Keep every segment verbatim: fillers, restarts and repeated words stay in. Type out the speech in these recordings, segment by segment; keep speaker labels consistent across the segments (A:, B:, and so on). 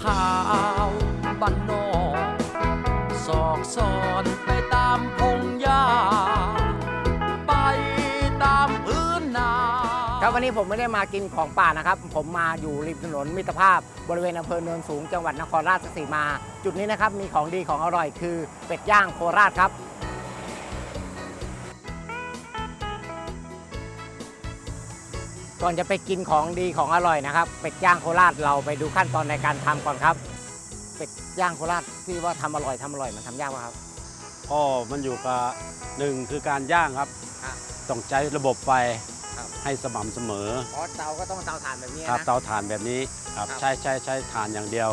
A: ข่าวบ้านนอกซอกซอนไปตามพงหญ้าไปตามพื้นนา
B: ครับวันนี้ผมไม่ได้มากินของป่านะครับผมมาอยู่ริมถนนมิตรภาพบริเวณอำเภอเนินสูงจังหวัดนครราชสีมาจุดนี้นะครับมีของดีของอร่อยคือเป็ดย่างโคราชครับก่อนจะไปกินของดีของอร่อยนะครับเป็ดย่างโคราชเราไปดูขั้นตอนในการทำก่อนครับเป็ดย่างโคราชที่ว่าทำอร่อยทำอร่อยมันทำยากไหมครับ
C: ก็มันอยู่กับหนึ่งคือการย่างครับต้องใช้ระบบไฟให้สม่ำเสมอ
B: อ๋อเตาก็ต้องเตาถ่านแบบนี้
C: ครับ
B: นะ
C: เตาถ่านแบบนี้ครับใช้ใช้ใช้ถ่านอย่างเดียว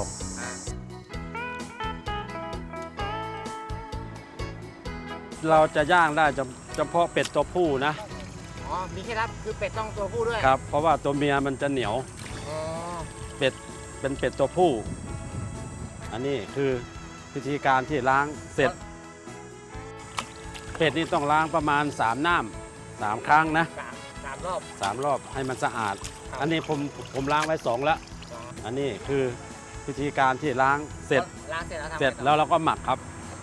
C: เราจะย่างได้เฉพาะเป็ดตัวผู้นะ
B: อ๋อมีเคล็ดลับคือเป็ดต้องตัวผู้ด้วย
C: ครับเพราะว่าตัวเมียมันจะเหนียว
B: อ๋อ
C: เป็ดเป็นเป็ดตัวผู้อันนี้คือวิธีการที่ล้างเสร็จเป็ดนี่ต้องล้างประมาณสามน้ำสามครั้งนะ
B: สามรอบ
C: สามรอบให้มันสะอาดอันนี้ผมผมล้างไว้สองแล้วอันนี้คือวิธีการที่ล้างเสร็จ
B: ล้างเสร็จแล้วทำ
C: เสร็จแล้วเราก็หมักครับ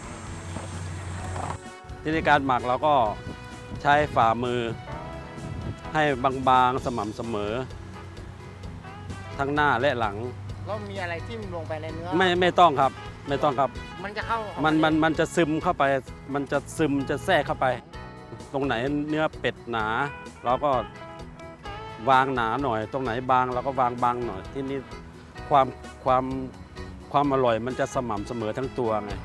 C: วิธีการหมักเราก็ใช้ฝ่ามือให้บางๆสม่ำเสมอทั้งหน้าและหลัง
B: แล้วมีอะไรที่ลงไปในเนื้อ
C: ไม่ไม่ต้องครับไม่ต้องครับ
B: มันจะเข้า
C: มันมันมันจะซึมเข้าไปมันจะซึมจะแทรกเข้าไปตรงไหนเนื้อเป็ดหนาเราก็วางหนาหน่อยตรงไหนบางเราก็วางบางหน่อยที่นี่ความความความอร่อยมันจะสม่ำเสมอทั้งตัวไง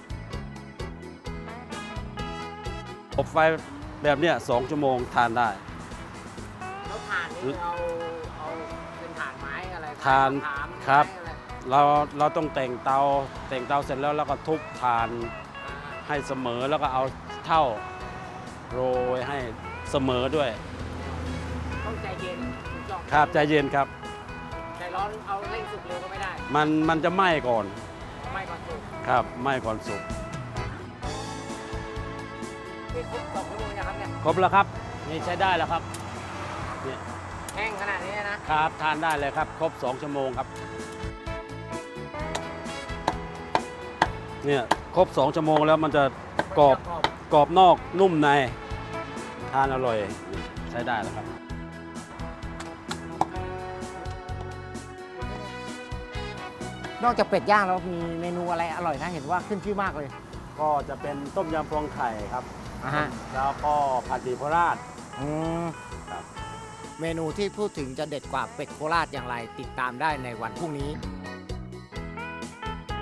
C: อบไฟแบบเนี้ยสองชั่วโมงทานได้
B: แล้วถ่านนี่เอาเอาเป็นถ่านไม้อะไร
C: ถ่านครับเราเราต้องแต่งเตาแต่งเตาเสร็จแล้วเราก็ทุบถ่านให้เสมอแล้วก็เอาเท่าโรยให้เสมอด้วย
B: ต้องใจเย็น
C: ครับใจเย็นครับ
B: ใจร้อนเอาเร่งสุกเร็วก็ไม่ได้
C: มันมันจะไหม้ก่อน
B: ไหม้ก่อนสุก
C: ครับไหม้ก่อนสุก
B: ครบสองชั่วโมงนะครับเนี่ย
C: ครบแล้วครับนี่ใช้ได้แล้วครับ
B: นี่แห้งขนาดนี้
C: นะครับทานได้เลยครับครบสองชั่วโมงครับเนี่ยครบสองชั่วโมงแล้วมันจะกรอบกรอบนอกนุ่มในทานอร่อยใช้ได้แล้วครับ
B: นอกจากเป็ดย่างแล้วมีเมนูอะไรอร่อยนะเห็นว่าขึ้นชื่อมากเลย
C: ก็จะเป็นต้มยำพวงไข่ครับ
B: อ่าฮะ
C: แล้วก็ผัดหมี่โคราช
B: อืมครับเมนูที่พูดถึงจะเด็ดกว่าเป็ดโคราชอย่างไรติดตามได้ในวันพรุ่งนี้